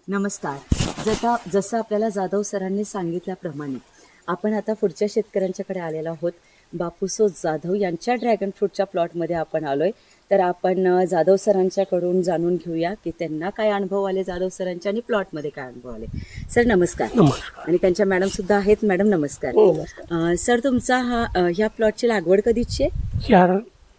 नमस्कार. जसं आपल्याला जाधव सरांनी सांगितल्याप्रमाणे आपण आता पुढच्या शेतकऱ्यांच्याकडे आलेलो आहोत. बापूसो जाधव यांच्या ड्रॅगन फ्रूटच्या प्लॉटमध्ये आपण आलोय. तर आपण जाधव सरांच्याकडून जाणून घेऊया की त्यांना काय अनुभव आले जाधव सरांच्या आणि प्लॉटमध्ये काय अनुभव आले. सर नमस्कार. नमस्कार. आणि त्यांच्या मॅडम सुद्धा आहेत. मॅडम नमस्कार. नमस्कार. सर तुमचा ह्या प्लॉटची लागवड कधीची आहे? 4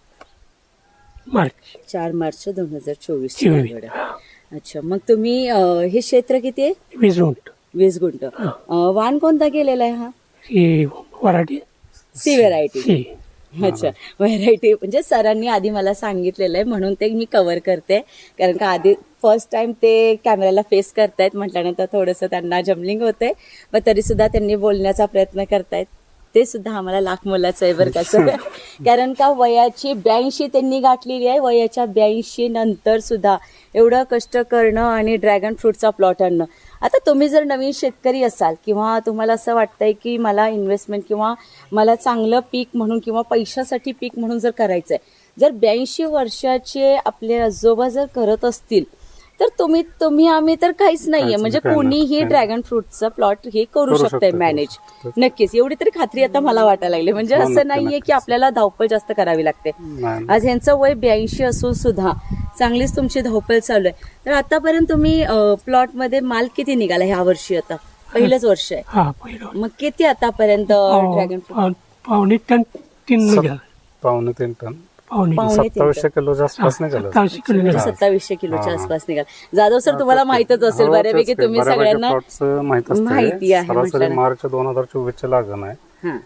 मार्च 4 मार्च 2024 ची 24. लागवड आहे. अच्छा, मग तुम्ही हे क्षेत्र किती आहे? 20 गुंठ. 20 गुंठ. वाण कोणता केलेला आहे हा? ही वराठी सी व्हेरायटी. सी. अच्छा, व्हेरायटी म्हणजे सरांनी आधी मला सांगितलेलं आहे म्हणून ते मी कव्हर करते. कारण का आधी फर्स्ट टाइम ते कॅमेऱ्याला फेस करतायत म्हटल्यानंतर थोडंसं त्यांना जमलिंग होतंय, पण तरी सुद्धा त्यांनी बोलण्याचा प्रयत्न करतायत. ते सुद्धा आम्हाला लाख मोलाचं आहे बरं का सर. कारण का वयाची 82 त्यांनी गाठलेली आहे. वयाच्या 82 नंतर सुद्धा एवढं कष्ट करणं आणि ड्रॅगन फ्रूटचा प्लॉट आणणं. आता तुम्ही जर नवीन शेतकरी असाल किंवा तुम्हाला असं वाटतंय की मला इन्व्हेस्टमेंट किंवा मला चांगलं पीक म्हणून किंवा पैशासाठी पीक म्हणून जर करायचं आहे, जर 82 वर्षाचे आपले आजोबा जर करत असतील तर तुम्ही आम्ही तर काहीच नाहीये. म्हणजे कोणीही ड्रॅगन फ्रूटचा प्लॉट हे करू शकतंय मॅनेज. नक्कीच एवढी तरी खात्री आता मला वाटायला लागली. म्हणजे असं नाहीये की आपल्याला धावपळ जास्त करावी लागते. आज ह्यांचं वय 82 असून सुद्धा चांगलीच तुमची धावपळ चालू आहे. तर आतापर्यंत तुम्ही प्लॉट मध्ये माल किती निघाला ह्या वर्षी? आता पहिलंच वर्ष आहे. हा पहिलं मग किती आतापर्यंत ड्रॅगन फ्रूट? पावणे टन 3 निघाल. पावणे 3 टन. पावणे 2700 किलोच्या आसपास निघालं. 27 किलो निघाल. 2700 किलोच्या आसपास निघाल. जाधव सर तुम्हाला माहितच असेल बऱ्यापैकी. तुम्ही सगळ्यांना माहिती आहे. सरासरी मार्च 2024 लागण आहे.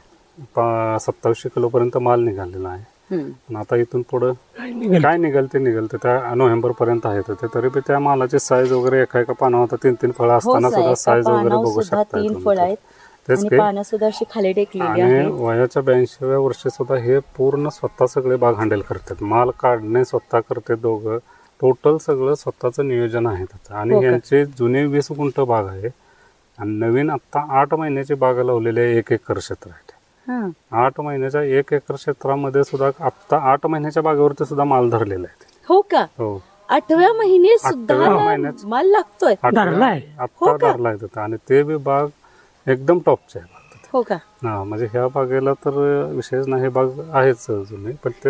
2700 किलो पर्यंत माल निघालेला आहे. पण आता इथून पुढे काय निघाल ते त्या नोव्हेंबर पर्यंत आहे. ते तरी बी त्या मालाची साईज वगैरे एका पानावर आता 3 फळं असताना सुद्धा साईज वगैरे बघू शकता. 3 फळं आहेत आणि पानं सुद्धा अशी खाली टेकलेली आणि आहे. वयाच्या 82व्या वर्षी सुद्धा हे पूर्ण स्वतः सगळे बाग हँडल करतात. माल काढणे स्वतः करते दोघं. टोटल सगळं स्वतःचं नियोजन आहे त्याचं. आणि यांचे जुने 20 गुंठ बाग आहे आणि नवीन आता 8 महिन्याची बाग लावलेली आहे. 1 एकर क्षेत्र आहे. 8 महिन्याच्या 1 एकर क्षेत्रामध्ये सुद्धा आता 8 महिन्याच्या बागेवरती सुद्धा माल धरलेला आहे. हो का? हो. 8व्या महिने सुद्धा 8व्या महिन्यात माल लागतोय. धरलाय. आता धरलाय तिथं. आणि ते बी बाग एकदम टॉपचे आहे. हो का? हा, म्हणजे ह्या बागेला तर विशेष नाही. बाग आहेच जुनी. पण ते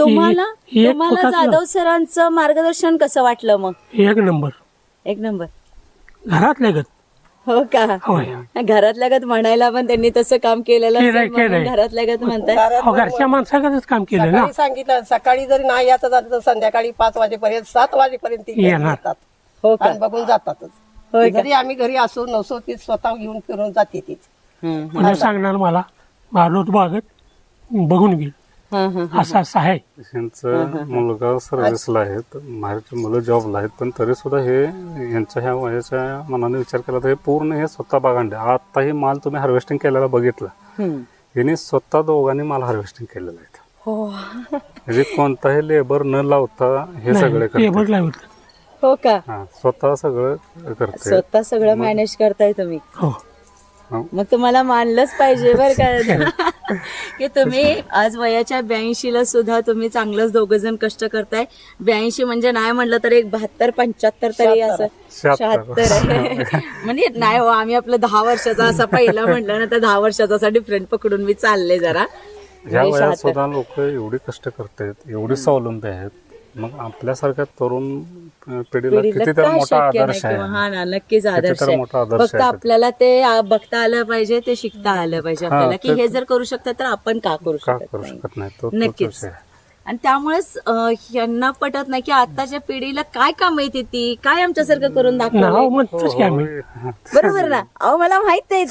तुम्हाला जाधव सरांचं मार्गदर्शन कसं वाटलं मग? 1 नंबर. 1 नंबर. घरातल्या गत. हो का? होय. घरातल्या गत म्हणायला पण त्यांनी तसं काम केलेलं असेल केलंय. म्हणून घरातल्या गत म्हणताय. घरच्या माणसाकडे काम केलं ना. सकाळी सांगितलं, सकाळी जरी नाही याचं झालं तर संध्याकाळी 5 वाजेपर्यंत 7 वाजेपर्यंत ती येणार. येतात. हो का? आणि बघून जातातच. होय का? जरी आम्ही घरी असो नसो ती स्वतः घेऊन फिरून जाते तीच. म्हणजे सांगणार मला मारलोत बागत बघून गेल असं आहे. यांचं मुलगा सर्व्हिसला आहेत. बाहेरची मुलं जॉबला आहेत. पण तरी सुद्धा हे यांच्या ह्या वयाच्या मनाने विचार केला तर हे पूर्ण हे स्वतः बागांडे. आताही माल तुम्ही हार्वेस्टिंग केलेला बघितला. यांनी स्वतः दोघांनी माल हार्वेस्टिंग केलेला आहे. हो. म्हणजे कोणताही लेबर न लावता हे सगळे टेबल करतात. लावलं. हो का? स्वतः सगळं करते. स्वतः सगळं मॅनेज करताय तुम्ही. हो. मग तुम्हाला मानलंच पाहिजे बरं का की तुम्ही आज वयाच्या 82ला सुद्धा तुम्ही चांगलंच दोघं जण कष्ट करताय. 82 म्हणजे नाही म्हटलं तर एक 72-75 तरी असं 76 आहे. म्हणजे नाही हो, आम्ही आपलं 10 वर्षाचा असा पहिला म्हटलं ना तर 10 वर्षाचा असा डिफरंट पकडून मी चालले जरा. ह्या वयात सुद्धा लोक एवढी कष्ट करतात, एवढी स्वावलंबी आहेत. मग आपल्यासारख्या तरुण पिढीला किती तर मोठा आदर्श आहे. हा ना, नक्कीच आदर्श कितीतरी मोठा आहे. आदर्श फक्त आपल्याला ते बघता आलं पाहिजे, ते शिकता आलं पाहिजे आपल्याला की हे जर करू शकतात तर आपण का करू का शकत करू नाही. शकत नाही. तो नक्कीच. विषय आहे. आणि त्यामुळेच यांना पटत नाही की आताच्या पिढीला काय काम येते ती काय आमच्यासारखं करून नाव दाखवलं. म्हणतोच की आम्ही. बरोबर ना? अहो मला माहित नाही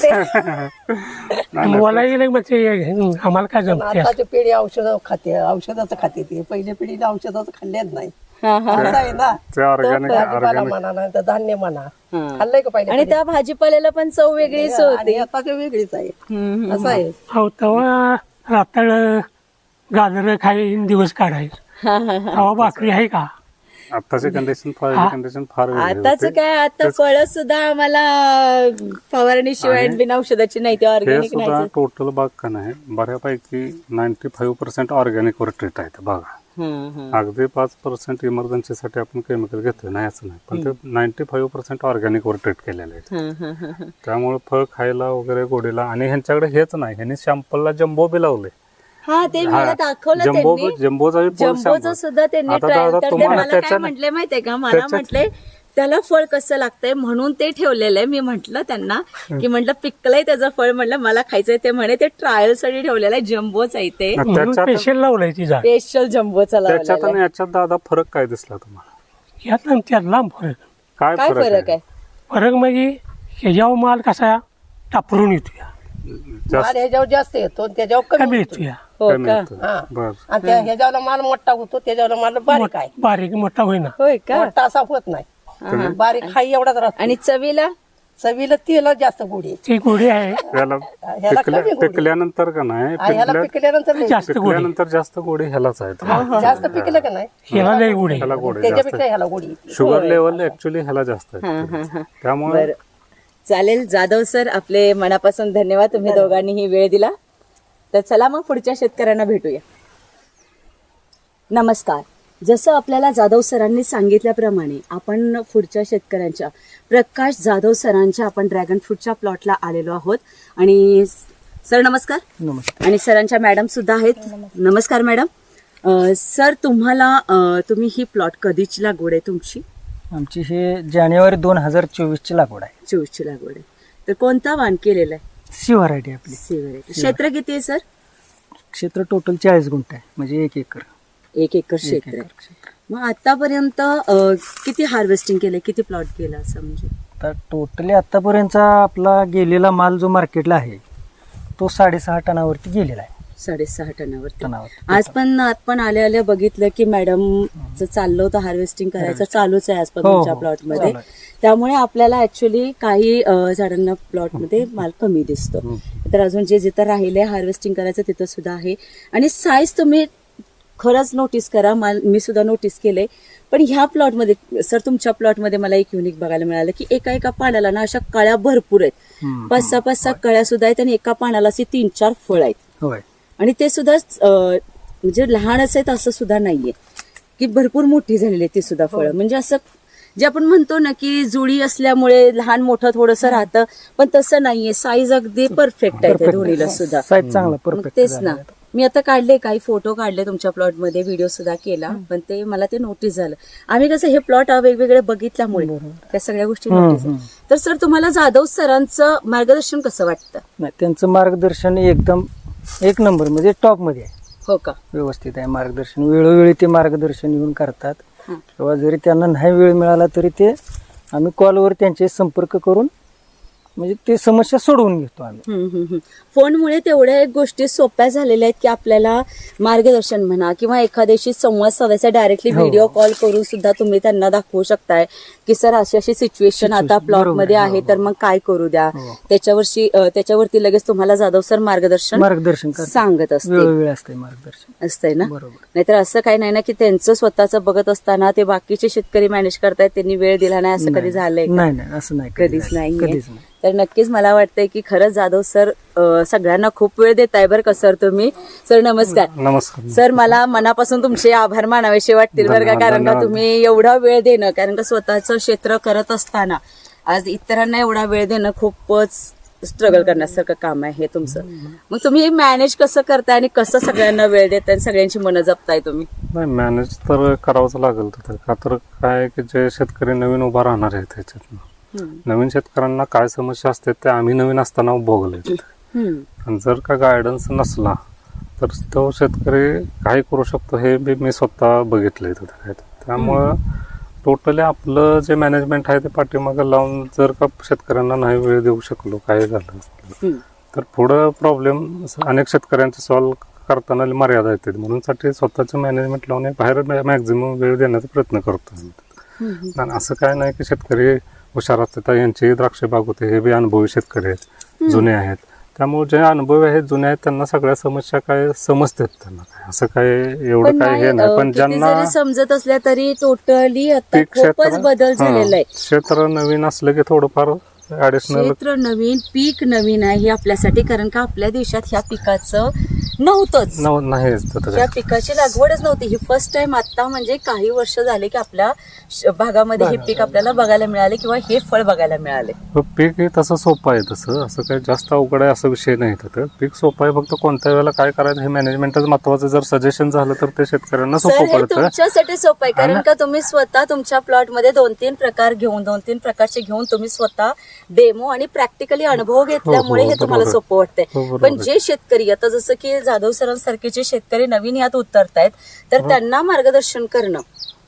ते. मला गेलं म्हणजे आम्हाला काय जमते. आताची पिढी औषधाचं खाते ती. पहिल्या पिढीला औषधाचं खाल्लेच नाही. असं आहे ना. ते ऑर्गॅनिक भाजीपाला म्हणा नाही तर धान्य म्हणा खाल्लंय का पहिले? आणि त्या भाजीपाल्याला पण चव वेगळीच होती. आता ते वेगळीच आहे. असं आहे. हो तेव्हा रात्र गाजर खाईन दिवस काढायचं. तेव्हा भाकरी आहे का? आताची कंडिशन फार वेगळी आताच होती. काय, आता फळं सुद्धा आम्हाला फवारणी शिवाय बिना औषधाची नाही, ते हे ऑर्गॅनिक सुद्धा नाही. टोटल बाग का नाही बऱ्यापैकी 95% ऑर्गॅनिक वर ट्रीट आहे बागा. अगदी 5% इमर्जन्सीसाठी आपण केमिकल घेतोय नाही असं नाही, पण ते 95% ऑर्गॅनिक वर ट्रीट केलेले आहे. त्यामुळे फळ खायला वगैरे गोडीला. आणि ह्यांच्याकडे हेच नाही, ह्यांनी सॅम्पलला जम्बो बी लावले. हा ते मला दाखवलं त्यांनी. जम्बोचं सुद्धा त्यांनी आता ट्रायल. दादा तर ते तुम्हाला मला काय त्याच्यात- म्हटले माहितीये का, मला म्हटले त्याला फळ कसं लागतंय म्हणून ते ठेवलेलं आहे. मी म्हंटल त्यांना की म्हटलं पिकलंय त्याचं फळ, म्हटलं मला खायचंय. ते म्हणे ते ट्रायल साठी ठेवलेलं आहे, जम्बोच आहे ते, स्पेशल लावलंय ती झाड. स्पेशल जम्बोचा त्याच्यात लावलेला आणि याच्यात दादा फरक काय दिसला तुम्हाला? यात आणि त्यात लांब फरक. काय काय फरक आहे? फरक म्हणजे ह्याच्यावर माल कसा टापरून येतोया, जास्त माल ह्याच्यावर जास्त येतो आणि त्याच्यावर कमी कमी येतो. येतोया. हो कमी का? येतं. हा. बर. आणि त्या ह्याच्यावर माल मोठा होतो, त्याच्यावर माल बारीक आहे. बारीक मोठा होईना. होय का? मोठा असा होत नाही, बारीक हाई एवढाच राहतो. आणि चवीला चवीला तिला जास्त गोडी येते. ती गोडी आहे याला ह्याला कमी गोडी. पिकल्यानंतर का नाही, ह्याला पिकल्यानंतर लई जास्त गोडी. पिकल्यानंतर जास्त गोडी ह्यालाच आहे. जास्त पिकलं का नाही ह्याला लई गोडी आहे. ह्याला गोडी त्याच्यापेक्षा जास्त. ह्याला गोडी येते. शुगर लेवल ऍक्च्युली ह्याला जास्त आहे. त्यामुळे बरं चालेल. जाधव सर, आपले मनापासून धन्यवाद, तुम्ही दोघांनीही वेळ दिला. तर चला मग पुढच्या शेतकऱ्यांना भेटूया. नमस्कार. जसं आपल्याला जाधव सरांनी सांगितल्याप्रमाणे आपण पुढच्या शेतकऱ्यांच्या प्रकाश जाधव सरांच्या आपण ड्रॅगन फ्रूटच्या प्लॉटला आलेलो आहोत. आणि सर नमस्कार. नमस्कार. आणि सरांच्या मॅडम सुद्धा आहेत. नमस्कार मॅडम. सर तुम्ही ही प्लॉट कधीची लागवड आहे तुमची? आमची हे जानेवारी 2024 ची लागवड आहे. 24 ची लागवड आहे. तर कोणता वाण केलेला आहे? सी व्हरायटी आपली. C variety. क्षेत्र किती आहे सर? क्षेत्र टोटल 40 गुंठ आहे, म्हणजे 1 एकर. 1 एकर क्षेत्र आहे. मग आतापर्यंत किती हार्वेस्टिंग केले, किती प्लॉट केला असं म्हणजे? तर टोटली आतापर्यंतचा आपला गेलेला माल जो मार्केटला आहे तो 6.5 टनावरती गेलेला आहे. 6.5 टनावरती. टनावरती. आज पण आपण आल्या बघितलं की मॅडम चाललं होतं हार्वेस्टिंग करायचं, चालूच आहे आज पण हो, तुमच्या हो, प्लॉट मध्ये. चालू त्यामुळे आपल्याला ऍक्च्युली काही झाडांना प्लॉट मध्ये माल कमी दिसतो. तर अजून जे जिथं राहिले हार्वेस्टिंग करायचं तिथं सुद्धा आहे. आणि साईज तुम्ही खरंच नोटीस करा, मी सुद्धा नोटीस केलंय. पण ह्या प्लॉटमध्ये सर, तुमच्या प्लॉटमध्ये मला एक युनिक बघायला मिळालं की एका पानाला ना अशा कळ्या भरपूर आहेत. 5-6 कळ्या सुद्धा आहेत आणि एका पानाला अशी 3-4 फळ आहेत. होय. आणि ते सुद्धा म्हणजे लहानच आहेत असं सुद्धा नाहीये की भरपूर मोठी झालेली आहे ती सुद्धा फळं. म्हणजे असं जे आपण म्हणतो ना की जुळी असल्यामुळे लहान मोठं थोडंसं राहतं, पण तसं नाहीये. साईज अगदी परफेक्ट आहे त्या दोन्हीला सुद्धा. साईज चांगला मग परफेक्ट. तेच ना, मी आता काढले काही फोटो काढले तुमच्या प्लॉट मध्ये, व्हिडिओ सुद्धा केला, पण ते मला ते नोटीस झालं. आम्ही कसं हे प्लॉट वेगवेगळे बघितल्यामुळे त्या सगळ्या गोष्टी नोटीस झाल्या. तर सर तुम्हाला जाधव सरांचं मार्गदर्शन कसं वाटतं? नाही, त्यांचं मार्गदर्शन एकदम 1 नंबर, म्हणजे टॉप मध्ये आहे. हो का? व्यवस्थित आहे मार्गदर्शन. वेळोवेळी ते मार्गदर्शन येऊन करतात. किंवा जरी त्यांना नाही वेळ मिळाला तरी ते आम्ही कॉलवर त्यांचे संपर्क करून म्हणजे ते समस्या सोडवून घेतो आम्ही. फोनमुळे तेवढ्या एक गोष्टी सोप्या झालेल्या आहेत की आपल्याला मार्गदर्शन म्हणा किंवा एखाद्याशी संवाद साधायचा, डायरेक्टली व्हिडिओ कॉल करून सुद्धा तुम्ही त्यांना दाखवू शकताय की सर अशी सिच्युएशन आता प्लॉट मध्ये आहे, तर मग काय करू द्या. त्याच्यावरती लगेच तुम्हाला जाधव सर मार्गदर्शन सांगत असते. वेळोवेळी असते मार्गदर्शन. असतंय ना. बरोबर. नाहीतर असं काही नाही ना की त्यांचं स्वतःचं बघत असताना ते बाकीचे शेतकरी मॅनेज करतायत, त्यांनी वेळ दिला नाही, असं कधी झालंय का? नाही, असं नाही, कधीच नाही. कधीच नाही. तर नक्कीच मला वाटतंय की खरंच जाधव सर सगळ्यांना खूप वेळ देताय बरं का सर तुम्ही. सर नमस्कार. नमस्कार. सर मला मनापासून तुमचे आभार मानावेसे वाटतील बरं का, कारण का तुम्ही एवढा वेळ देणं, कारण का स्वतःचं क्षेत्र करत असताना आज इतरांना एवढा वेळ देणं खूपच स्ट्रगल करण्यासारखं काम आहे हे तुमचं. मग तुम्ही हे मॅनेज कसं करताय आणि कसं सगळ्यांना वेळ देताय आणि सगळ्यांची मनं जपताय तुम्ही? नाही, मॅनेज तर करावंच लागेल तिथं. का तर काय की जे शेतकरी नवीन उभा राहणार आहेत त्याच्यातनं, नवीन शेतकऱ्यांना काय समस्या असते ते आम्ही नवीन असताना भोगले. आणि जर का गायडन्स नसला तर तो शेतकरी काय करू शकतो हे बी मी स्वतः बघितलंय तिथं. त्यामुळं टोटली आपलं जे मॅनेजमेंट आहे ते पाठीमागं लावून जर का शेतकऱ्यांना नाही वेळ देऊ शकलो, काय झालं तर पुढं प्रॉब्लेम अनेक शेतकऱ्यांचे सॉल्व्ह करताना मर्यादा येते. म्हणून साठी स्वतःचं मॅनेजमेंट लावून बाहेर मॅक्झिमम वेळ देण्याचा प्रयत्न करतो. आणि असं काय नाही की शेतकरी हुशार असतात, यांची द्राक्ष बाग होते, हे बी अनुभवी शेतकरी आहेत, जुने आहेत. त्यामुळे जे अनुभवी आहेत, जुने आहेत, त्यांना सगळ्या समस्या काय समजतात. त्यांना काय असं काय एवढं काय हे नाही. पण ज्यांना समजत असल्या तरी टोटली आता खूपच बदल झालेला आहे. क्षेत्र नवीन असलं की थोडंफार ऍडिशनल क्षेत्र नवीन, पीक नवीन आहे हे आपल्यासाठी, कारण का आपल्या देशात ह्या पिकाचं नव्हतंच. नाहीच तर त्या पिकाची लागवडच नव्हती. ही फर्स्ट टाइम आता म्हणजे काही वर्ष झाले की आपल्या भागामध्ये हे पीक आपल्याला बघायला मिळाले किंवा हे फळ बघायला मिळाले. पीक हे तसं सोपं आहे, तसं असं काही जास्त अवघड आहे असं विषय नाही. तर पीक सोपं आहे, फक्त कोणत्या वेळेला काय करायचं हे मॅनेजमेंटच महत्वाचं. जर सजेशन झालं तर ते शेतकऱ्यांना सर सोपं हे पडतं. तुमच्यासाठी सोपं आहे कारण का तुम्ही स्वतः तुमच्या प्लॉट मध्ये 2-3 प्रकार घेऊन 2-3 प्रकारचे घेऊन तुम्ही स्वतः डेमो आणि प्रॅक्टिकली अनुभव घेतल्यामुळे हे तुम्हाला बरोबर. सोपं वाटतंय. बरोबर. पण जे शेतकरी आता जसं की जाधव सरांसारखे जे शेतकरी नवीन यात उतरतायत तर त्यांना मार्गदर्शन करणं,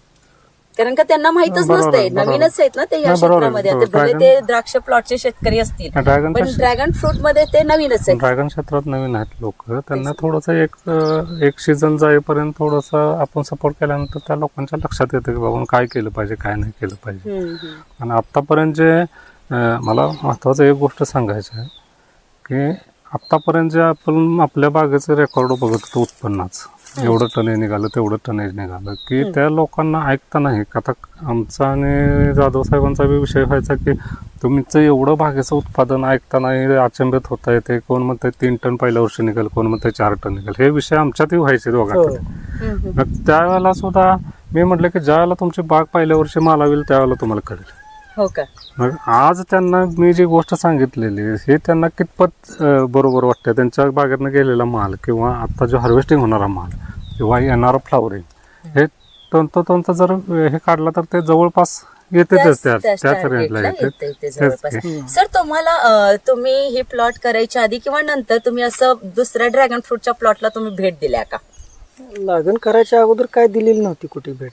कारण का त्यांना माहितच बरोबर, नसतंय, बरोबर. नवीनच आहेत ना ते या नाही, बरोबर, क्षेत्रामध्ये. आता बरोबर. भले ते द्राक्ष प्लॉटचे शेतकरी असतील ड्रॅगन पण ड्रॅगन फ्रूट मध्ये ते नवीनच आहेत. ड्रॅगन क्षेत्रात नवीन आहेत लोक, त्यांना थोडंसं एक सीझन जाईपर्यंत थोडंसं आपण सपोर्ट केल्यानंतर त्या लोकांच्या लक्षात येतं की बाबा काय केलं पाहिजे काय नाही केलं पाहिजे. आणि आतापर्यंत जे मला महत्वाचं एक गोष्ट सांगायची आहे की आतापर्यंत जे आपण आपल्या बागेचं रेकॉर्ड बघत होतो उत्पन्नाचं, एवढं टनेज निघालं तेवढं टनेज निघालं की त्या लोकांना ऐकता नाही. आता आमचा आणि जाधव साहेबांचा बी विषय व्हायचा की तुमचं एवढं बागेचं उत्पादन ऐकता नाही, अचंबित होता येते. कोण म्हणते 3 टन पहिल्या वर्षी निघेल, कोण म्हणते 4 टन निघेल. हे विषय आमच्यातही व्हायचे दोघांकडे. मग त्यावेळेला सुद्धा मी म्हटलं की ज्यावेळेला तुमची बाग पहिल्या वर्षी माल होईल त्यावेळेला तुम्हाला कळेल. हो का? मग आज त्यांना मी जी गोष्ट सांगितलेली हे त्यांना कितपत बरोबर वाटतं. त्यांच्या बागेतनं गेलेला माल किंवा आता जो हार्वेस्टिंग होणारा माल किंवा येणारं फ्लावरिंग हे तंतोतंत जर हे काढला तर ते जवळपास येतेच त्याच रेंजला येते. सर तुम्हाला तुम्ही हे प्लॉट करायच्या आधी किंवा नंतर तुम्ही असं दुसऱ्या ड्रॅगन फ्रूटच्या प्लॉटला तुम्ही भेट दिल्या का? लागण करायच्या अगोदर काय दिलेली नव्हती कुठे भेट.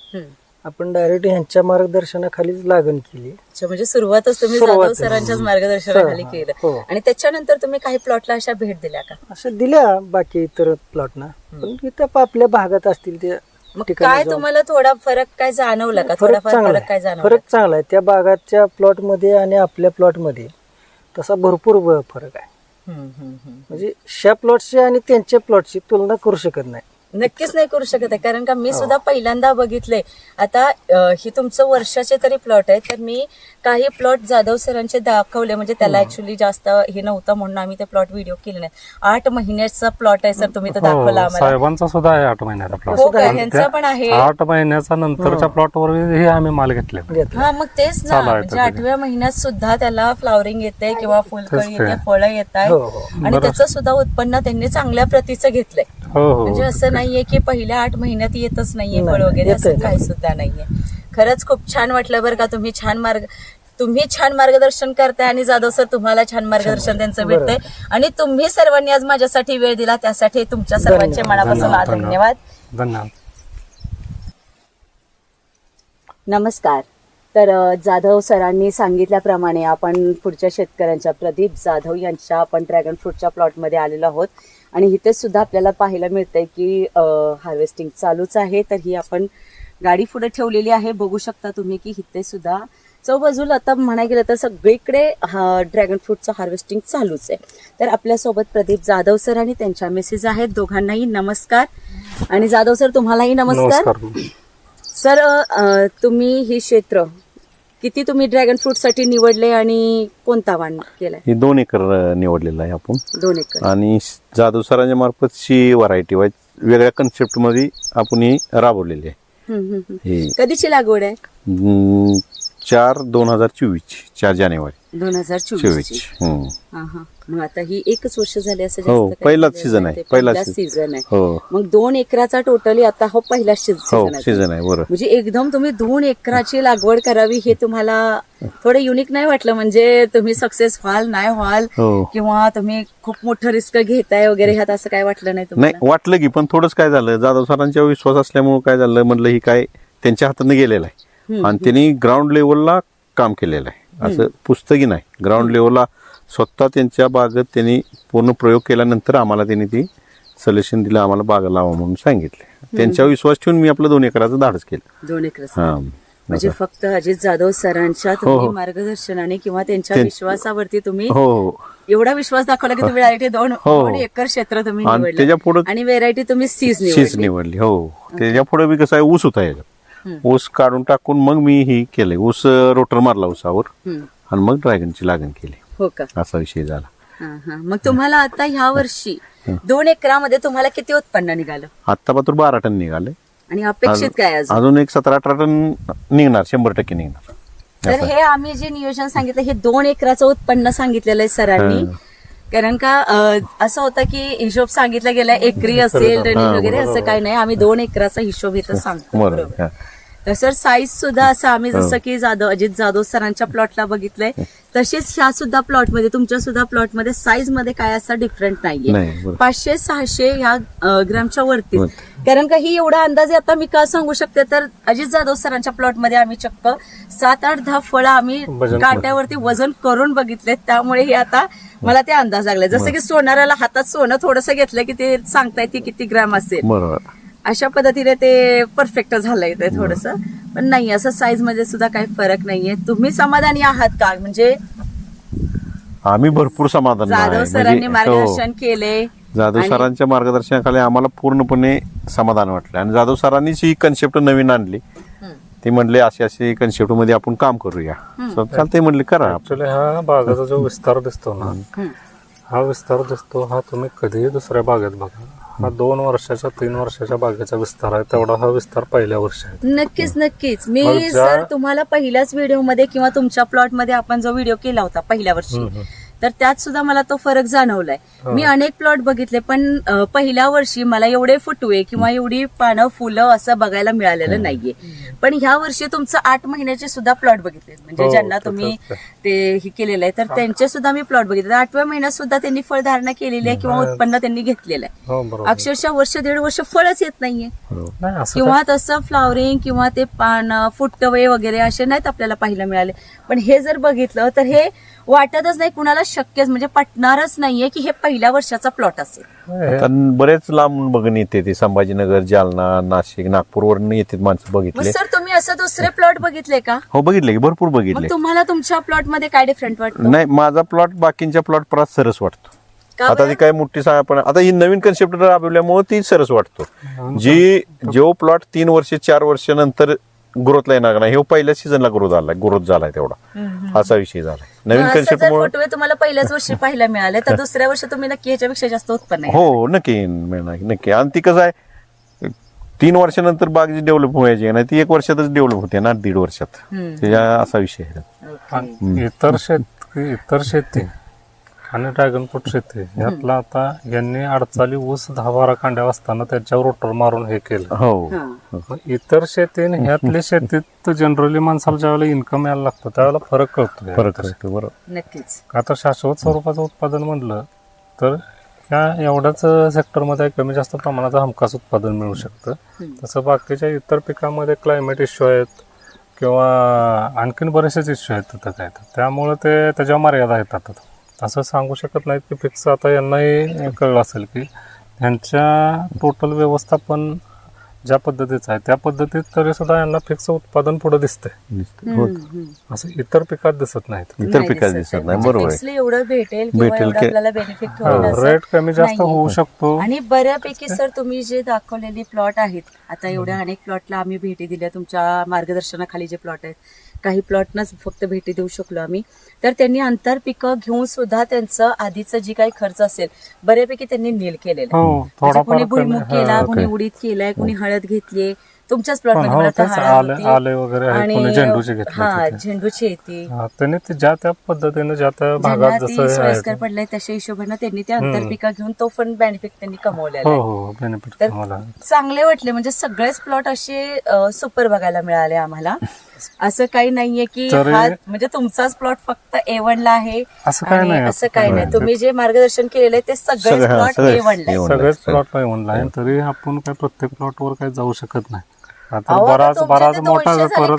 आपण डायरेक्ट ह्यांच्या मार्गदर्शनाखालीच लागण केली. अच्छा, म्हणजे सुरुवातच तुम्ही जाधव सरांच्याच मार्गदर्शनाखाली केलं. हो. आणि त्याच्यानंतर तुम्ही काही प्लॉटला अशा भेट दिल्या का? असं दिल्या बाकी इतर प्लॉटना, पण इथं आपल्या भागात असतील ते मग काय तुम्हाला थोडा फरक काय जाणवला का? थोडाफार फरक काय जाणवला? फरक चांगला आहे त्या भागाच्या प्लॉट मध्ये आणि आपल्या प्लॉट मध्ये तसा भरपूर फरक आहे. म्हणजे ह्या प्लॉटची आणि त्यांच्या प्लॉटची तुलना करू शकत नाही. नक्कीच नाही करू शकत आहे, कारण का मी सुद्धा पहिल्यांदा बघितले. आता ही तुमचं वर्षाचे तरी प्लॉट आहे, तर मी काही प्लॉट जाधव सरांचे दाखवले. म्हणजे त्याला ऍक्च्युली जास्त हे नव्हतं म्हणून आम्ही ते प्लॉट व्हिडिओ केले नाही. 8 महिन्याचा प्लॉट आहे सर, तुम्ही तर दाखवला आम्हाला. साहेबांचा सुद्धा आहे 8 महिन्याचा प्लॉट. हो का? ह्यांचा पण आहे. 8 महिन्याचा नंतरच्या प्लॉटवर हे आम्ही माल घेतले. हा मग तेच ना, म्हणजे 8व्या महिन्यात सुद्धा त्याला फ्लावरिंग येते किंवा फुलकळी येते, फळं येत आहे आणि त्याचं सुद्धा उत्पन्न त्यांनी चांगल्या प्रतीचं घेतलंय. म्हणजे असं नाहीये की पहिल्या 8 महिन्यात येतच नाहीये फळ वगैरे, असं काही सुद्धा नाहीये. खरंच खूप छान वाटलं बरं का. तुम्ही छान मार्गदर्शन करताय आणि जाधव सर तुम्हाला छान मार्गदर्शन त्यांचं भेटतंय. आणि तुम्ही सर्वांनी आज माझ्यासाठी वेळ दिला त्यासाठी तुमच्या सर्वांचे मनापासून धन्यवाद. धन्यवाद. नमस्कार. तर जाधव सरांनी सांगितल्याप्रमाणे आपण पुढच्या शेतकऱ्यांच्या प्रदीप जाधव यांच्या आपण ड्रॅगन फ्रूटच्या प्लॉटमध्ये आलेलो आहोत. आणि इथे सुद्धा आपल्याला पाहायला मिळतंय की हार्वेस्टिंग चालूच आहे. तर ही आपण गाडी पुढे ठेवलेली आहे, बघू शकता तुम्ही की इथे सुद्धा चौबाजूला आता म्हणायला गेलं तर सगळीकडे ड्रॅगन फ्रूटचं हार्वेस्टिंग चालूच आहे. तर आपल्यासोबत प्रदीप जाधव सर आणि त्यांच्या मिसेस आहेत. दोघांनाही नमस्कार. आणि जाधव सर तुम्हालाही नमस्कार. सर तुम्ही हे क्षेत्र किती तुम्ही ड्रॅगन फ्रूट साठी निवडले आणि कोणता वाण केलाय? हे 2 एकर निवडलेलं आहे आपण. 2 एकर. आणि जाधव सरांच्या मार्फत शी व्हरायटी वेगळ्या कन्सेप्ट मध्ये आपण ही राबवलेली आहे. कधीची लागवड आहे? 4/2024 4 जानेवारी 2024. मग आता ही एकच वर्ष झाली असं हो, जास्त काही पहिलाच नाही. सीझन आहे. पहिलाच सीझन आहे. हो मग 2 एकराचा टोटली आता हा पहिलाच सीझन आहे. सीझन आहे. बरोबर. म्हणजे एकदम तुम्ही 2 एकराची लागवड करावी हे तुम्हाला थोडं युनिक नाही वाटलं? म्हणजे तुम्ही सक्सेस व्हाल नाही व्हाल किंवा तुम्ही खूप मोठं रिस्क घेताय वगैरे ह्यात असं काय वाटलं नाही तुम्हाला? नाही वाटलं की, पण थोडंच काय झालं, जाधव सरांच्या विश्वास असल्यामुळे काय झालं, म्हणलं ही काय त्यांच्या हाताने गेलेलं आहे आणि त्यांनी ग्राउंड लेवलला काम केलेलं आहे. असं पुस्तकी नाही, ग्राउंड लेवलला स्वतः त्यांच्या बागेत त्यांनी पूर्ण प्रयोग केल्यानंतर आम्हाला त्यांनी ती सजेशन दिलं, आम्हाला बागा लावा म्हणून सांगितले. त्यांच्या विश्वास ठेवून मी आपलं 2 एकराचं धाडस केलं. 2 एकर. म्हणजे फक्त अजित जाधव सरांच्या तुम्ही मार्गदर्शनाने किंवा त्यांच्या विश्वासावरती तुम्ही एवढा विश्वास दाखवला की तुम्ही डायरेक्ट 2 एकर क्षेत्र तुम्ही निवडलं आणि व्हेरायटी तुम्ही सीज निवडली. हो, त्याच्या पुढे बी कसं आहे, ऊस होता याच्यात. ऊस काढून टाकून मग मी ही केलंय, ऊस रोटर मारला ऊसावर आणि मग ड्रॅगनची लागण केली. हो का? असा विषय झाला. मग तुम्हाला आता ह्या वर्षी 2 एकरामध्ये तुम्हाला किती उत्पन्न निघालं आत्ता पात्र 12 टन निघाले. आणि अपेक्षित काय अजून? अजून एक 17-18 टन निघणार, 100% निघणार. तर हे आम्ही जे नियोजन सांगितलं हे 2 एकराचं उत्पन्न सांगितलेलं आहे सरांनी. कारण का असं होतं की हिशोब सांगितला गेला एकरी असेल रनिंग वगैरे असं काही नाही. आम्ही 2 एकराचा हिशोब इथं सांगतो. बरोबर. हा. तर सर साईज सुद्धा असं आम्ही जसं की अजित जाधव सरांच्या प्लॉटला बघितलंय तसेच ह्या सुद्धा प्लॉटमध्ये तुमच्या सुद्धा प्लॉटमध्ये साईज मध्ये काय असा डिफरंट नाहीये. नाही, बरोबर. 500-600 ह्या ग्रामच्या वरतीच. कारण का ही एवढा अंदाजे आता मी का सांगू शकते तर अजित जाधव सरांच्या प्लॉटमध्ये आम्ही चक्क 7-8-10 फळं आम्ही काट्यावरती वजन करून बघितलेत. त्यामुळे हे आता मला ते अंदाज लागले. जसं की सोनाराला हातात सोनं थोडंसं घेतलं की ते सांगता येते किती ग्राम असेल. बरोबर. अशा पद्धतीने ते परफेक्ट झालंय ते थोडंसं. पण नाही असं साईज मध्ये सुद्धा काही फरक नाहीये. तुम्ही समाधानी आहात का? म्हणजे आम्ही भरपूर समाधान जाधव सरांनी मार्गदर्शन केले. जाधव सरांच्या मार्गदर्शनाखाली आम्हाला पूर्णपणे समाधान वाटलं. आणि जाधव सरांनीच ही कन्सेप्ट नवीन आणली. ते म्हणले अशी कन्सेप्ट मध्ये आपण काम करूया. चालतंय म्हणले करा. ऍक्च्युली हा बागाचा जो विस्तार दिसतो ना, हा विस्तार दिसतो हा तुम्ही कधीही दुसऱ्या बागेत बघा. हा 2 वर्षाच्या 3 वर्षाच्या बागेचा विस्तार आहे, तेवढा हा विस्तार पहिल्या वर्षी आहे. नक्कीच मी सर तुम्हाला पहिल्याच व्हिडिओमध्ये किंवा तुमच्या प्लॉटमध्ये आपण जो व्हिडिओ केला होता पहिल्या वर्षी तर त्यात सुद्धा मला तो फरक जाणवलाय. मी अनेक प्लॉट बघितले पण पहिल्या वर्षी मला एवढे फुटवे किंवा एवढी पानं फुलं असं बघायला मिळालेलं नाहीये. पण ह्या वर्षी तुमचं 8 महिन्याचे सुद्धा प्लॉट बघितले म्हणजे ज्यांना तुम्ही ते हे केलेलं आहे तर त्यांचे सुद्धा मी प्लॉट बघितले. 8व्या महिन्यात सुद्धा त्यांनी फळधारणा केलेली आहे किंवा उत्पन्न त्यांनी घेतलेलं आहे. अक्षरशः वर्ष 1.5 वर्ष फळच येत नाहीये किंवा तसं फ्लावरिंग किंवा ते पानं फुटवे वगैरे असे नाहीत आपल्याला पाहायला मिळाले. पण हे जर बघितलं तर हे वाटतच नाही कुणाला शक्यच म्हणजे पटणारच नाहीये की हे पहिल्या वर्षाचा प्लॉट असेल. आता बरेच लांब बघून येते ते संभाजीनगर, जालना, नाशिक, नागपूरवरून येतात माणसं बघितले. सर तुम्ही असं दुसरे प्लॉट बघितले का? हो बघितले की भरपूर बघितले. मग तुम्हाला तुमच्या प्लॉट मध्ये काय डिफरंट वाटतं? नाही माझा प्लॉट बाकींच्या प्लॉट परत सरस वाटतो. का आता ती काय मोठी पण आता ही नवीन कन्सेप्ट राबवल्यामुळे ती सरस वाटतो. जो प्लॉट 3 वर्ष 4 वर्ष नंतर ग्रोथला येणार नाही, हे पहिल्याच सीझनला ग्रोथ झालाय तेवढा असा विषय झालाय नवीन कन्सेप्ट मुळे. फुटवे तुम्हाला पहिल्याच वर्षी पाहायला मिळाले तर दुसऱ्या वर्षी तुम्ही नक्की ह्याच्यापेक्षा जास्त उत्पन्न आहे. हो नक्की मिळणार नक्की. आणि ती कसं आहे 3 वर्षानंतर बाग जी डेव्हलप व्हायची नाही ती 1 वर्षातच डेव्हलप होते ना, 1.5 वर्षात. त्याच्या असा विषय आहे. इतर शेती आणि ड्रॅगन फ्रूट शेती यातला आता यांनी 48 ऊस 10-12 कांड्या असताना त्याच्यावर रोटर मारून हे केलं. हो इतर शेती आणि ह्यातल्या शेतीत जनरली माणसाला ज्यावेळेला इन्कम यायला लागतो त्यावेळेला फरक कळतो. बरोबर. नक्कीच. आता शाश्वत स्वरूपाचं उत्पादन म्हणलं तर ह्या एवढ्याच सेक्टरमध्ये कमी जास्त प्रमाणाचं हमखास उत्पादन मिळू शकतं. तसं बाकीच्या इतर पिकांमध्ये क्लायमेट इश्यू आहेत किंवा आणखीन बरेचसेच इश्यू आहेत तिथं काय त्यामुळे ते त्याच्या मर्यादा येतात. असं सांगू शकत नाहीत की फिक्स. आता यांनाही कळलं असेल की ह्यांच्या टोटल व्यवस्थापन ज्या पद्धतीचं आहे त्या पद्धतीत तरी सुद्धा यांना फिक्स उत्पादन पुढे दिसतंय. असं इतर पिकात दिसत नाहीत. इतर पिकात दिसत नाही. बरोबर आहे. एवढं भेटेल आपल्याला बेनिफिट होईल रेट कमी जास्त होऊ शकतो. आणि बऱ्यापैकी सर तुम्ही जे दाखवलेली प्लॉट आहेत आता एवढ्या अनेक प्लॉटला आम्ही भेटी दिल्या तुमच्या मार्गदर्शनाखाली जे प्लॉट आहेत काही प्लॉटनाच फक्त भेटी देऊ शकलो आम्ही. तर त्यांनी आंतरपिकं घेऊन सुद्धा त्यांचं आधीचं जी काही खर्च असेल बऱ्यापैकी त्यांनी नील केलेला आहे. कोणी भुईमुग केला, कोणी उडीद केलाय, कोणी हळद घेतलीये तुमच्याच प्लॉट मध्ये आले वगैरे आणि झेंडूची घेतली झेंडूची येते. त्यांनी ज्या त्या पद्धतीने ज्या त्या भागात जसं सोयीस्कर पडलंय तशा हिशोबाने त्यांनी ते आंतरपिका घेऊन तो पण बेनिफिट त्यांनी कमवलेला आहे. बेनिफिट चांगले वाटले म्हणजे सगळेच प्लॉट असे सुपर बघायला मिळाले आम्हाला. असं काही नाहीये की हा म्हणजे तुमचाच प्लॉट फक्त A1 ला आहे असं काही नाही. तुम्ही जे मार्गदर्शन केलेलं आहे ते सगळेच प्लॉट A1 ला आहे. सगळेच प्लॉट A1 ला आहे. तरी आपण काय प्रत्येक प्लॉटवर काही जाऊ शकत नाही. आता बराच मोठा समूह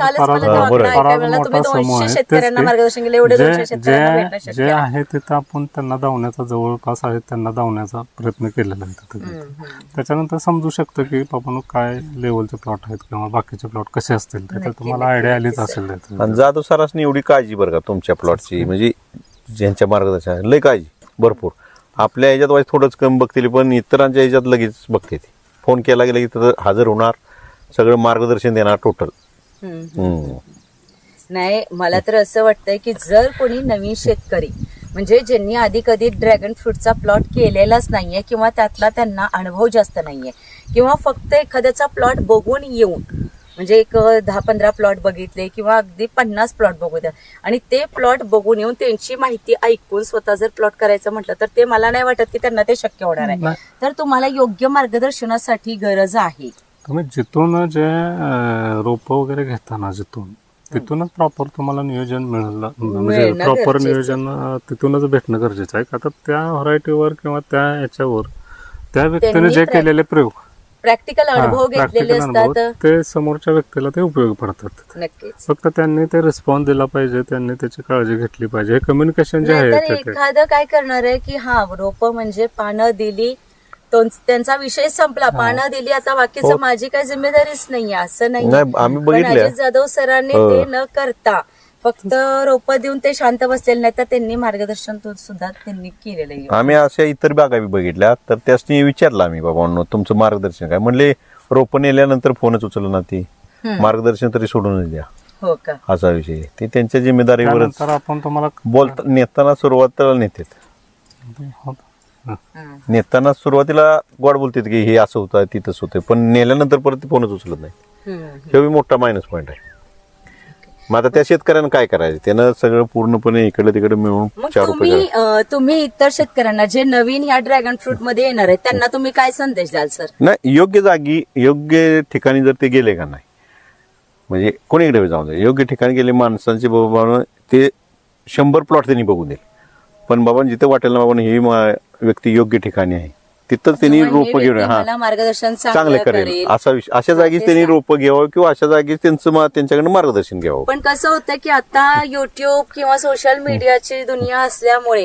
आहे. जे आहे तिथं आपण त्यांना धावण्याचा जवळपास आहे त्यांना धावण्याचा प्रयत्न केलेला आहे तिथे. त्याच्यानंतर समजू शकतं की आपण काय लेवलचे प्लॉट आहेत किंवा बाकीचे प्लॉट कसे असतील तर तुम्हाला आयडिया आलीच असेल. आणि जाधव सरासनी एवढी काळजी बरं का तुमच्या प्लॉटची म्हणजे ज्यांच्या मार्गदर्शन लय काळजी भरपूर. आपल्या ह्याच्यात वाईज थोडंच कमी बघतील पण इतरांच्या ह्याच्यात लगेच बघते ती. फोन केला गेला की तिथं हजर होणार, सगळं मार्गदर्शन देणार टोटल. नाही मला तर असं वाटतंय की जर कोणी नवीन शेतकरी म्हणजे ज्यांनी आधी कधी ड्रॅगन फ्रूटचा प्लॉट केलेलाच नाहीये किंवा त्यातला त्यांना अनुभव जास्त नाहीये किंवा फक्त एखाद्याचा प्लॉट बघून येऊन म्हणजे एक 10-15 प्लॉट बघितले किंवा अगदी 50 प्लॉट बघू द्या आणि ते प्लॉट बघून येऊन त्यांची माहिती ऐकून स्वतः जर प्लॉट करायचं म्हटलं तर ते मला नाही वाटत की त्यांना ते शक्य होणार आहे. तर तुम्हाला योग्य मार्गदर्शनासाठी गरज आहे. तुम्ही जिथून जे रोप वगैरे घेताना तिथूनच प्रॉपर तुम्हाला नियोजन मिळालं म्हणजे मिळणं प्रॉपर गरजेचं. नियोजन तिथूनच भेटणं गरजेचं आहे. का तर त्या व्हरायटीवर किंवा त्या याच्यावर त्या व्यक्तीने त्यांनी जे केलेले प्रयोग प्रॅक्टिकल अनुभव घेतलेले practical अनुभव, असतात. ते समोरच्या व्यक्तीला ते उपयोगी पडतात. नक्कीच. फक्त त्यांनी ते रिस्पॉन्स दिला पाहिजे, त्यांनी त्याची काळजी घेतली पाहिजे. हे कम्युनिकेशन जे आहे नाहीतर ते एखादं काय करणार आहे की हा रोप म्हणजे पानं दिली त्यांचा विषय संपला, पानं दिली आता बाकीचं माझी काही जिम्मेदारीच नाहीये असं नाही. नाही, आम्ही पण बघितलंय. अजित जाधव सरांनी ते न करता फक्त रोप देऊन ते शांत बसलेले नाही तर त्यांनी मार्गदर्शन सुद्धा त्यांनी केलेलं आहे. आम्ही अशा इतर बागा बी बघितल्या तर त्यासनी विचारलं आम्ही बाबांनो तुमचं मार्गदर्शन काय म्हणले रोपण नेल्यानंतर फोनच उचललं ना ती मार्गदर्शन तरी सोडूनच द्या हो का. असा विषय ते त्यांच्या जिम्मेदारीवरच त्यानंतर आपण तुम्हाला बोलता नेताना सुरुवातीला नेताना सुरुवातीला गोड बोलतात की हे असं होतं ती तसं होतं पण नेल्यानंतर परत ते फोनच उचलत नाही. हे बी मोठा मायनस पॉईंट आहे. मग आता त्या शेतकऱ्यांना काय करायचं त्यानं सगळं पूर्णपणे इकडे तिकडे मिळून मग 4 रुपये तुम्ही इतर शेतकऱ्यांना जे नवीन ह्या ड्रॅगन फ्रूट मध्ये येणार आहेत त्यांना तुम्ही काय संदेश द्याल सर? नाही योग्य जागी योग्य ठिकाणी जर ते गेले का नाही म्हणजे कोणीकडे जाऊन दे योग्य ठिकाणी गेले माणसांचे बाबा ते 100 प्लॉट त्यांनी बघून देईल पण बाबा जिथे वाटेल ना बाबा ही व्यक्ती योग्य ठिकाणी आहे तिथं त्यांनी रोपं घेऊन मला मार्गदर्शन चांगलं करेल असा विषय अशा जागीच त्यांनी रोपं घ्यावं किंवा अशा जागीच त्यांच्याकडनं मार्गदर्शन घ्यावं. पण कसं होतं की आता युट्यूब किंवा सोशल मीडियाची दुनिया असल्यामुळे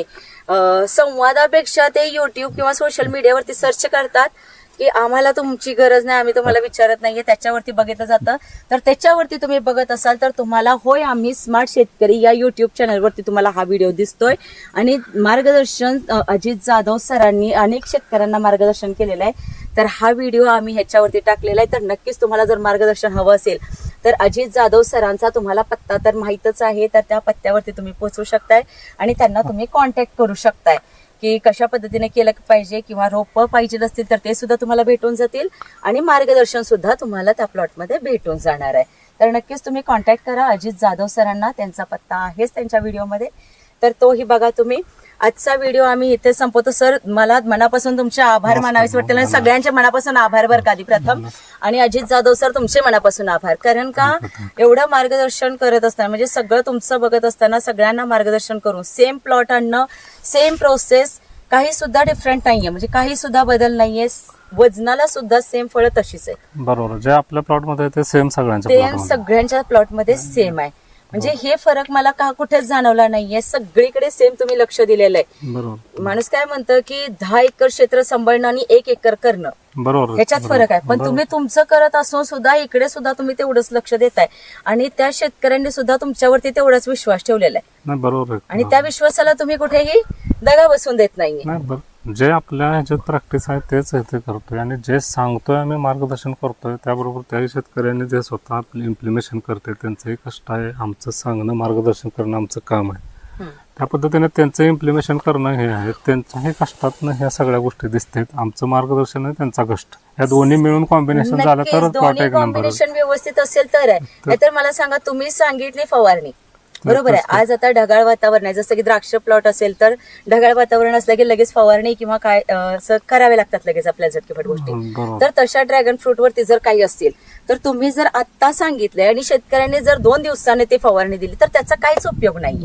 संवादापेक्षा ते युट्यूब किंवा सोशल मीडियावरती सर्च करतात की आम्हाला तुमची गरज नाही, आम्ही तुम्हाला विचारत नाहीये, त्याच्यावरती बघितलं जातं. तर त्याच्यावरती तुम्ही बघत असाल तर तुम्हाला होय आम्ही स्मार्ट शेतकरी या युट्यूब चॅनलवरती तुम्हाला हा व्हिडिओ दिसतोय आणि मार्गदर्शन अजित जाधव सरांनी अनेक शेतकऱ्यांना मार्गदर्शन केलेलं आहे. तर हा व्हिडिओ आम्ही ह्याच्यावरती टाकलेला आहे. तर नक्कीच तुम्हाला जर मार्गदर्शन हवं असेल तर अजित जाधव सरांचा तुम्हाला पत्ता तर माहीतच आहे, तर त्या पत्त्यावरती तुम्ही पोहोचू शकताय आणि त्यांना तुम्ही कॉन्टॅक्ट करू शकताय की कशा पद्धतीने केलं पाहिजे किंवा रोपं पाहिजे असतील तर ते सुद्धा तुम्हाला भेटून जातील आणि मार्गदर्शन सुद्धा तुम्हाला त्या प्लॉटमध्ये भेटून जाणार आहे. तर नक्कीच तुम्ही कॉन्टॅक्ट करा अजित जाधव सरांना, त्यांचा पत्ता आहेच त्यांच्या व्हिडिओमध्ये. तर तोही बघा तुम्ही. आजचा व्हिडिओ आम्ही इथे संपवतो. सर मला मनापासून तुमचे आभार मानावेसे वाटतील आणि सगळ्यांचे मनापासून आभार बरं का आधी प्रथम आणि अजित जाधव सर तुमचे मनापासून आभार. कारण का एवढं मार्गदर्शन करत असताना म्हणजे सगळं तुमचं बघत असताना सगळ्यांना मार्गदर्शन करून सेम प्लॉट आणणं, सेम प्रोसेस, काही सुद्धा डिफरंट नाहीये म्हणजे काही सुद्धा बदल नाहीये, वजनाला सुद्धा सेम फळं तशीच आहे. बरोबर जे आपल्या प्लॉटमध्ये ते सेम सगळ्यांच्या प्लॉटमध्ये सेम आहे. म्हणजे हे फरक मला का कुठेच जाणवला नाहीये, सगळीकडे सेम तुम्ही लक्ष दिलेलं आहे. बरोबर. माणूस काय म्हणतं की 10 एकर क्षेत्र सांभाळणं आणि 1 एकर करणं बरोबर ह्याच्यात फरक आहे. पण तुम्ही तुमचं करत असून सुद्धा इकडे सुद्धा तुम्ही तेवढंच लक्ष देताय आणि त्या शेतकऱ्यांनी सुद्धा तुमच्यावरती तेवढाच विश्वास ठेवलेला आहे नाही बरोबर आणि त्या विश्वासाला तुम्ही कुठेही दगा बसून देत नाहीये. नाही जे आपल्या ह्याच्यात प्रॅक्टिस आहे तेच इथे करतोय आणि जे सांगतोय आम्ही मार्गदर्शन करतोय त्याबरोबर त्याही शेतकऱ्यांनी जे स्वतः आपलं इम्प्लिमेशन करते त्यांचंही कष्ट आहे. आमचं सांगणं मार्गदर्शन करणं आमचं काम आहे. त्या पद्धतीने त्यांचं इम्प्लिमेशन करणं हे आहे. त्यांच्याही कष्टातनं ह्या सगळ्या गोष्टी दिसतात. आमचं मार्गदर्शन आहे, त्यांचा कष्ट, या दोन्ही मिळून कॉम्बिनेशन झालं नक्कीच तर प्लॉट दोन्ही एक नंबर. कॉम्बिनेशन व्यवस्थित असेल तर आहे. नाहीतर मला सांगा तुम्ही सांगितली फवारणी बरोबर आहे, आज आता ढगाळ वातावरण आहे, जसं की द्राक्ष प्लॉट असेल तर ढगाळ वातावरण असलं की लगेच फवारणी किंवा काय असं करावे लागतात लगेच आपल्याला झटकेपट गोष्टी. तर तशा ड्रॅगन फ्रूट वरती जर काही असतील तर तुम्ही जर आता सांगितलंय आणि शेतकऱ्यांनी जर 2 दिवसाने ती फवारणी दिली तर त्याचा काहीच उपयोग नाही.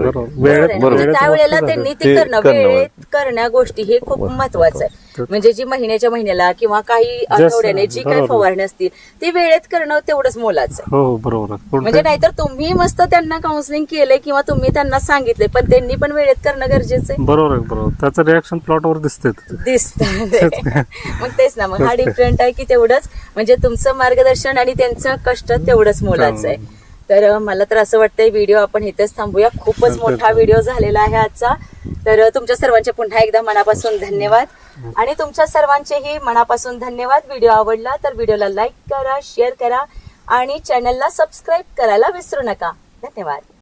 त्यावेळेला त्यांनी ती करणं, वेळेत करण्या गोष्टी हे खूप महत्वाचं आहे. म्हणजे जी महिन्याच्या महिन्याला किंवा काही आठवड्याने जी काही फवारणी असतील ती वेळेत करणं तेवढंच मोलाचं आहे. हो बरोबर. म्हणजे नाहीतर तुम्ही मस्त त्यांना काउन्सिलिंग केलंय किंवा तुम्ही त्यांना सांगितले पण त्यांनी पण वेळेत करणं गरजेचं आहे. बरोबर आहे. बरोबर त्याचं रिॲक्शन प्लॉटवर दिसतात. मग तेच ना, मग हा डिफरंट आहे की तेवढंच म्हणजे तुमचं मार्गदर्शन आणि त्यांचं कष्ट तेवढंच मोलाचं आहे. तर मला तर असं वाटतंय व्हिडिओ आपण इथेच थांबूया. खूपच मोठा व्हिडिओ झालेला आहे आजचा. तर तुमच्या सर्वांचे पुन्हा एकदा मनापासून धन्यवाद आणि तुमच्या सर्वांचेही मनापासून धन्यवाद. व्हिडिओ आवडला तर व्हिडिओला लाईक करा, शेअर करा आणि चॅनलला सबस्क्राईब करायला विसरू नका. धन्यवाद.